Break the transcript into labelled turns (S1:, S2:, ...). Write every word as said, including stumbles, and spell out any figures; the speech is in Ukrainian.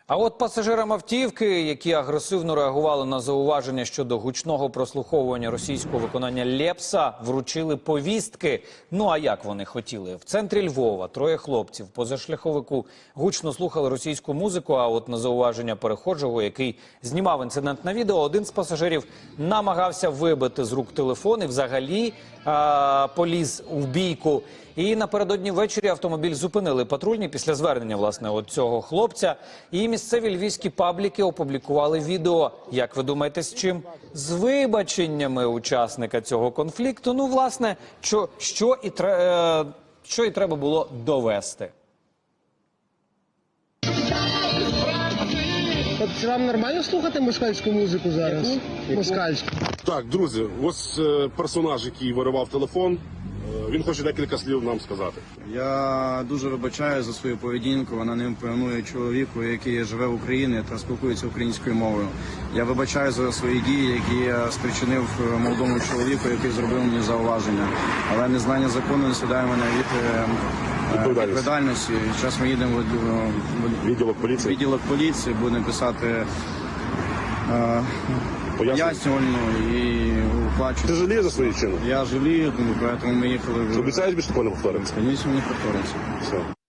S1: А от пасажирам автівки, які агресивно реагували на зауваження щодо гучного прослуховування російського виконання Лепса, вручили повістки. Ну а як вони хотіли? В центрі Львова троє хлопців позашляховику гучно слухали російську музику, а от на зауваження перехожого, який знімав інцидент на відео, один з пасажирів намагався вибити з рук телефон і взагалі а, поліз в бійку. І напередодні ввечері автомобіль зупинили патрульні після звернення, власне, от цього хлопця. І місцеві львівські пабліки опублікували відео. Як ви думаєте, з чим? З вибаченнями учасника цього конфлікту. Ну, власне, що, що, і, тре, що і треба було довести.
S2: От вам нормально слухати москальську музику зараз? Яку? Москальську.
S3: Так, друзі, ось е, персонаж, який виривав телефон, е, він хоче декілька слів нам сказати.
S4: Я дуже вибачаю за свою поведінку, вона не імпонує чоловіку, який живе в Україні та спілкується українською мовою. Я вибачаю за свої дії, які я спричинив молодому чоловіку, який зробив мені зауваження. Але незнання закону не судає мене від е, відповідальності. Зараз ми їдемо в
S3: Відділок поліції.
S4: відділок поліції, будемо писати е, пояснювальну і оплачувати.
S3: Ти жалієш за свої вчинки?
S4: Я жалію, тому ми їхали.
S3: Обіцяєш більше такого не повториться?
S4: Звісно, не повториться.
S3: Все.